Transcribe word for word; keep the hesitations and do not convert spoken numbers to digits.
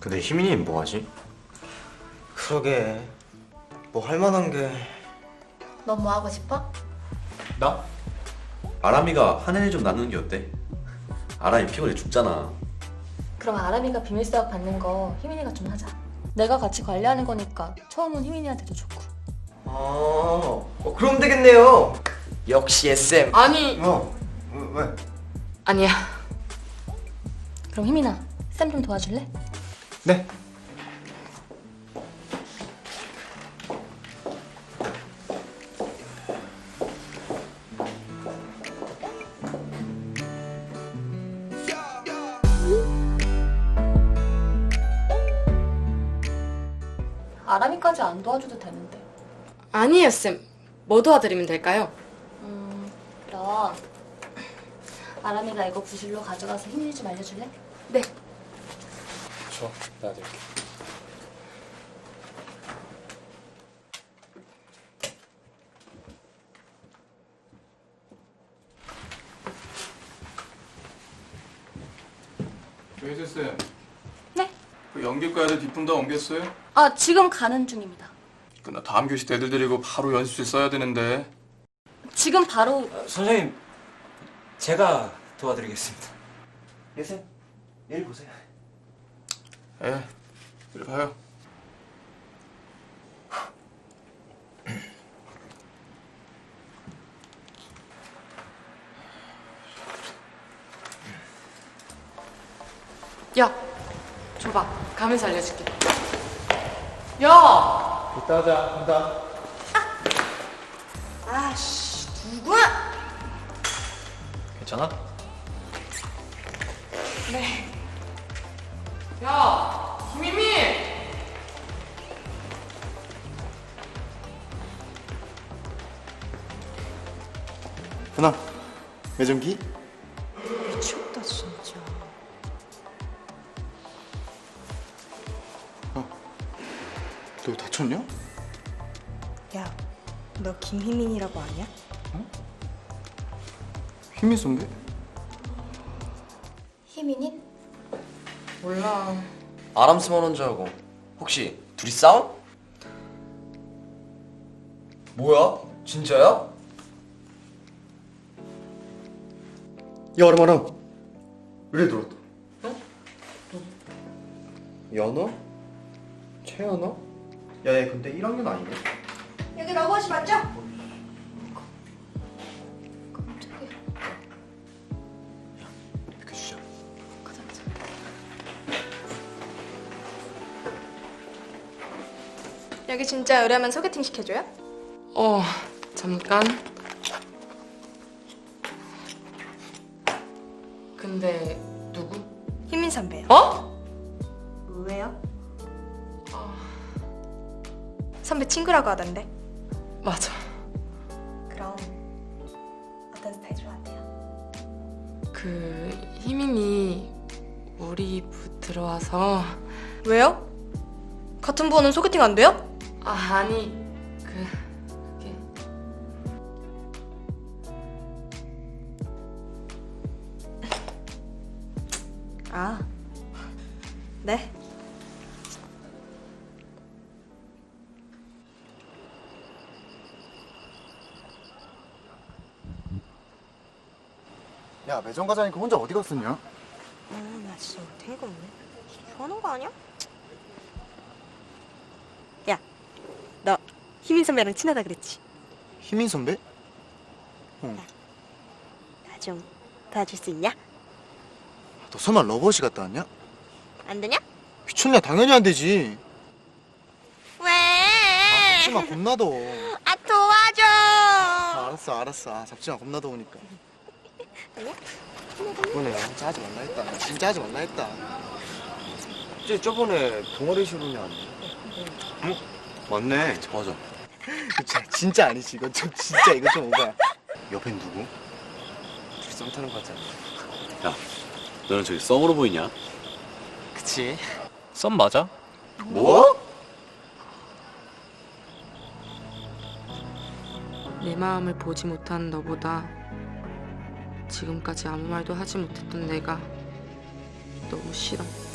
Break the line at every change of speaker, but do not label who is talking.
근데 희민이는 뭐하지?
그러게 뭐 할만한 게...
너 뭐 하고 싶어?
나? 아람이가 한 해 좀 낳는 게 어때? 아람이 피곤해 죽잖아.
그럼 아람이가 비밀수학 받는 거 희민이가 좀 하자. 내가 같이 관리하는 거니까 처음은 희민이한테도 좋고.
아... 어, 그럼 되겠네요. 역시 에스엠.
아니.
어? 왜?
아니야. 그럼 희민아, 쌤 좀 도와줄래?
네.
아람이까지 안 도와줘도 되는데.
아니에요, 쌤. 뭐 도와드리면 될까요?
음, 그럼 아람이가 이거 부실로 가져가서 희민이 좀 알려줄래?
네.
좋아, 내가 될게.
조혜수 쌤.
네?
그 연기과에도 뒷품 다 옮겼어요?
아, 지금 가는 중입니다.
그나 다음 교시 때 애들 데리고 바로 연습실 써야 되는데.
지금 바로.
선생님, 제가 도와드리겠습니다. 예, 쌤. 내일 보세요.
에, 이리 봐요.
야, 줘봐. 가면서 알려줄게. 야!
이따 하자, 간다.
아씨, 누구야?
괜찮아?
네. 야, 김희미!
누나, 매점기?
미쳤다, 진짜.
너 다쳤냐?
야, 너 김희민이라고 아냐?
희민 선배?
희민이?
몰라.
아람 스만 온 줄 알고. 혹시 둘이 싸움? 뭐야? 진짜야?
야, 아람아람. 왜 들었다?
연어? 최연어? 야, 얘 근데 일 학년 아니냐?
여기 러버시 맞죠?
비켜주자.
가자, 가자.
여기 진짜 의뢰하면 소개팅 시켜줘요?
어, 잠깐. 근데 누구?
희민 선배요.
어?
왜요? 선배 친구라고 하던데.
맞아.
그럼 어떤 스타일 좋아하세요?
그 희민이 우리 부 들어와서.
왜요? 같은 부는 소개팅 안 돼요?
아, 아니 그 그게
아, 네.
야, 매점 가자니까 혼자 어디 갔었냐?
아, 나 진짜 어이가 없네. 좋아하는 거 아니야? 야, 너 희민 선배랑 친하다 그랬지?
희민 선배?
나 좀 도와줄 수 있냐?
너 설마 러버시 갔다 왔냐?
안 되냐?
미쳤냐? 당연히 안 되지.
왜?
아, 잡지 마, 겁나 더워.
아, 도와줘!
아, 알았어, 알았어. 아, 잡지 마, 겁나 더우니까.
아니야?
이번에 진짜 하지 말라 했다. 진짜 하지 말라 했다.
쟤 저번에 동아리 실험이 안 돼.
응? 맞네.
맞아.
진짜, 진짜 아니지. 이거 좀, 진짜 이거 좀 오바야. 옆엔 누구?
둘이 썸 타는 거 같잖아.
야, 너는 저기 썸으로 보이냐?
그치?
썸 맞아?
뭐?
내 마음을 보지 못한 너보다 지금까지 아무 말도 하지 못했던 내가 너무 싫어.